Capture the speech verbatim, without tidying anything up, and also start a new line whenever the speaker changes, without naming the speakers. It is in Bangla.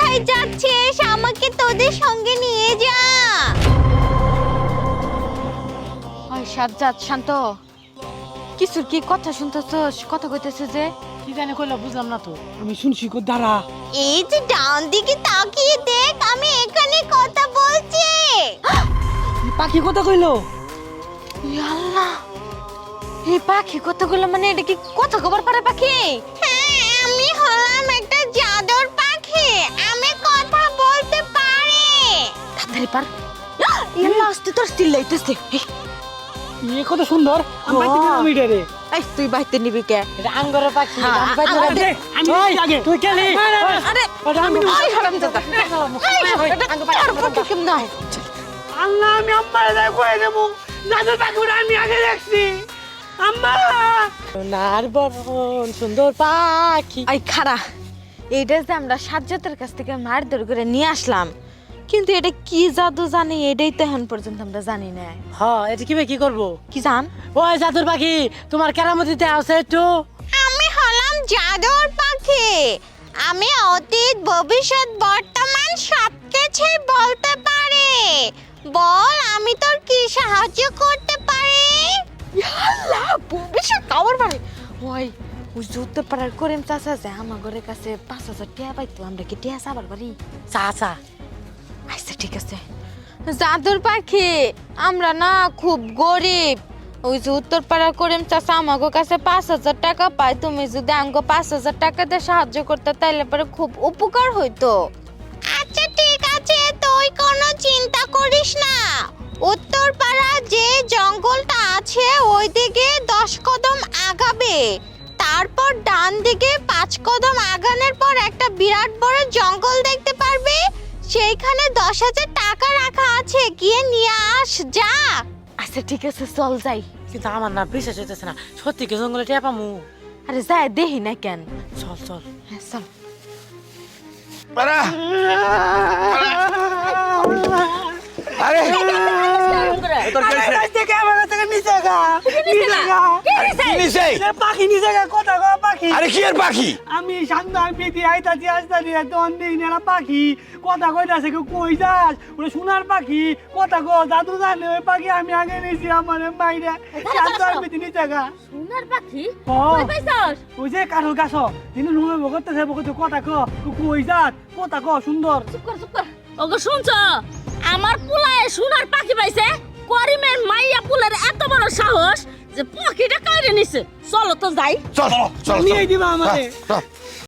কোথায় যাচ্ছিস? আমাকে তোদের সঙ্গে নিয়ে যা।
ওই সাজ্জাদ শান্ত, কিছুর কি কথা শুনতেছস? কথা কইতেছে যে
কি জানি কইলা বুঝলাম না তো। আমি শুনছি কো দাঁড়া।
এই যে ডান দিকে তাকিয়ে দেখ, আমি এখানে কথা বলছি।
পাখি কথা কইলো।
আল্লাহ, এই পাখি কতগুলো, মানে এটা কি কথা খবর পারে পাখি?
হ্যাঁ, আমি হলাম একটা জাদুর পাখি, আমি কথা বলতে পারি।
তাড়াতাড়ি পার। ইয়াল্লাহ, আস্তে তোর স্টিল লাইতেছে।
ইয়ে কত সুন্দর। আমি বাইতে দিলাম এটারে।
এই তুই বাইতে নিবি কে?
এটা আঙ্গরের পাখি।
হ্যাঁ,
আমি বাইতে
আঙ্গরের
দিলাম। আমি
ওই,
আগে তুই কেলি।
আরে
ওটা আমি
ওই হারামজাদা। এই, এটা তোর পাখি কেমন হয়?
আল্লাহ, আমি আম্মারে যাই কই দেব। জাদুর পাখিটা আমি আগে দেখছি। আম্মা নার বরণ সুন্দর পাখি।
এই খারা, এইটা যে আমরা সাজ্জাতের কাছ থেকে মারধর করে নিয়ে আসলাম, কিন্তু এটা কি জাদু জানি এটাই তো এখন পর্যন্ত আমরা জানি না।
হ্যাঁ, এটা কিভাবে কি করব?
কি জান?
ওই জাদুর পাখি, তোমার কেরামতিতে আছে একটু।
আমি হলাম জাদুর পাখি, আমি অতীত ভবিষ্যৎ বর্তমান সবকিছুই বলতে পারি। বল, আমি তোর কি সাহায্য করতে পারি?
আল্লাহ, ভবিষ্যৎ খবর পারে। ওই ওই যুদ্ধ পাড়ার করিম চাচা যে আমার ঘরের কাছে পাঁচ হাজার টাকা পাইতো, আমরা কি টাকা চাবার পারি?
চা চা।
আচ্ছা ঠিক আছে। জাদুর পাখি, আমরা না খুব গরিব। ওই যে উত্তর পাড়ার করিম চাচা আমাকে কাছে পাঁচ হাজার টাকা পায়, তুমি যদি আমাকে পাঁচ হাজার টাকা দিয়ে সাহায্য করতে তাইলে পরে খুব উপকার হইতো।
আচ্ছা ঠিক আছে, তুই কোনো চিন্তা করিস না। উত্তর পাড়া যে জঙ্গলটা আছে ওই দিকে দশ কদম আগাবে, তারপর ডান দিকে পাঁচ কদম আগানোর পর একটা বিরাট বড় জঙ্গল দেখতে পারবে। সেইখানে দশ হাজার টাকা রাখা আছে, গিয়ে নিয়ে আস, যা।
আচ্ছা ঠিক আছে, চল যাই।
কিন্তু আমার না বিশ্বাস হইতেছে না, সত্যি কি জঙ্গলে টিয়া পামু?
আরে যাই দেখি না কেন।
চল চল।
হ্যাঁ চল।
পারা আরে তোর কি হইছে?
থেকে আমার থেকে নিচে গা নিচে গা
কি নিছে?
এ পাখি নিচে গা, কথা গো পাখি।
আরে কি এর পাখি?
আমি সান্দার পেটি আইতাছি আসতাছি তখন দেখি না একটা পাখি কথা কইতাছে, কেউ কই যাস? ওরে সোনার পাখি, কথা গো দাদু জানে ওই পাখি আমি আগে নিয়েছি আমার মাইরা সান্দার পেটি নিচে গা।
সোনার পাখি
ও,
কই পাইছস?
ওই যে কাঠল গাছ তিনি রুমে বকতেছে বকতে কথা কো কই যাস? কথা কো সুন্দর।
চুপ কর চুপ কর। ওগো শুনছ, আমার পুলায় সোনার পাখি পাইছে। করিমের মাইয়া পুলের এত বড় সাহস যে পাখিটা কাইরে নিছে। চলো তো যাই।
চল চল চল
নিয়ে দিবা আমারে।
চল